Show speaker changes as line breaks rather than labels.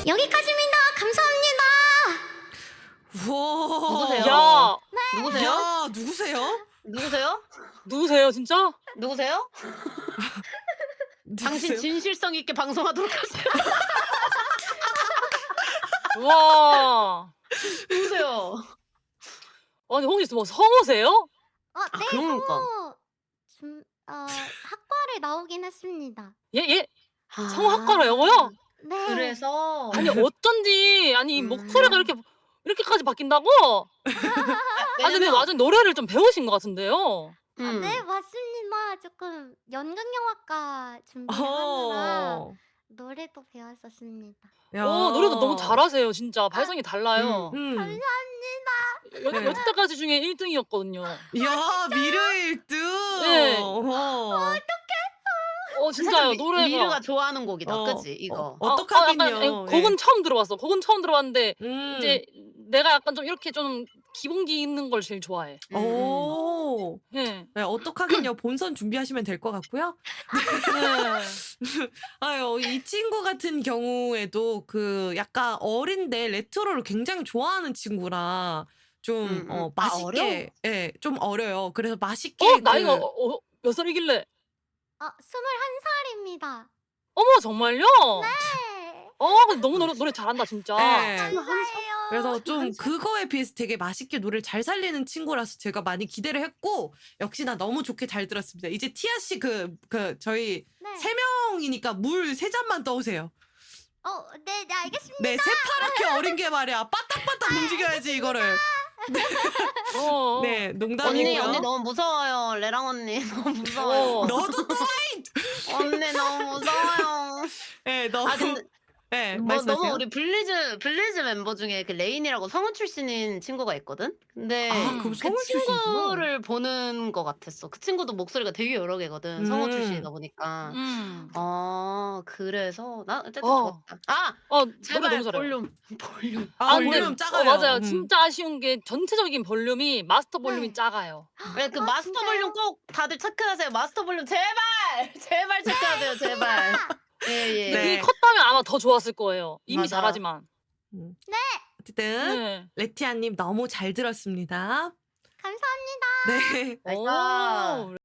여기까지입니다. 감사합니다.
우와.
누구세요?
야,
누구세요?
야, 누구세요?
누구세요?
누구세요, 진짜?
누구세요? 당신
누구세요?
진실성 있게 방송하도록 하세요.
와.
누구세요?
아니, 혹시 뭐 성우세요?
네,
그러니까.
성우 학과를 나오긴 했습니다.
예?
아,
성우학과라고요?
네.
그래서
아니, 어쩐지, 아니, 목소리가 이렇게까지 바뀐다고? 아니, 근데 완전 노래를 좀 배우신 것 같은데요?
네, 맞습니다. 조금 연극영화과 준비하느라
어.
노래도 배웠었습니다.
야.
노래도 너무 잘하세요, 진짜. 발성이 달라요.
감사합니다.
네.
여태까지 중에 1등이었거든요.
야, 미르 1등.
네. 진짜요, 노래가.
미르가 좋아하는 곡이다.
어,
그치 이거.
어떡하긴요.
약간, 아니, 곡은 처음 들어봤어. 곡은 처음 들어봤는데, 이제 내가 약간 좀 이렇게 좀 기본기 있는 걸 제일 좋아해.
오.
네.
네, 어떡하긴요. 본선 준비하시면 될 것 같고요.
네.
아유, 이 친구 같은 경우에도 그 약간 어린데 레트로를 굉장히 좋아하는 친구라 좀 맛있게, 예, 좀 어려요. 그래서 맛있게
나이가 몇 살이길래?
21살입니다.
어머, 정말요?
네.
근데 너무 노래 잘한다, 진짜.
예.
감사해요.
그래서 좀 그거에 비해서 되게 맛있게 노래를 잘 살리는 친구라서 제가 많이 기대를 했고 역시나 너무 좋게 잘 들었습니다. 이제 티아 씨 저희
네.
3명이니까 물 3잔만 떠오세요.
네, 알겠습니다.
네, 새파랗게 어린 게 말이야. 빠딱빠딱 움직여야지 이거를.
어.
네, 농담이고요.
언니 너무 무서워요. 레랑 언니 너무 무서워요.
너도 또
언니 너무 무서워요.
네, 너무
근데
네,
너무
말씀하세요.
우리 블리즈 멤버 중에 그 레인이라고 성우 출신인 친구가 있거든. 근데
그럼
그
성우 출신이구나.
친구를 보는 것 같았어. 그 친구도 목소리가 되게 여러 개거든. 성우 출신이다 보니까. 그래서 나 어쨌든 좋았다.
노래
제발
너무 잘해요.
볼륨.
근데
볼륨 작아요.
맞아요. 진짜 아쉬운 게 전체적인 볼륨이 마스터 볼륨이
네.
작아요.
왜 그 마스터
진짜요?
볼륨 꼭 다들 체크하세요. 마스터 볼륨 제발 체크하세요. 제발. 예.
네.
그게 컸다면 아마 더 좋았을 거예요. 이미
맞아.
잘하지만.
어쨌든
네.
레티아님 너무 잘 들었습니다.
감사합니다.
네.
나이스.
오.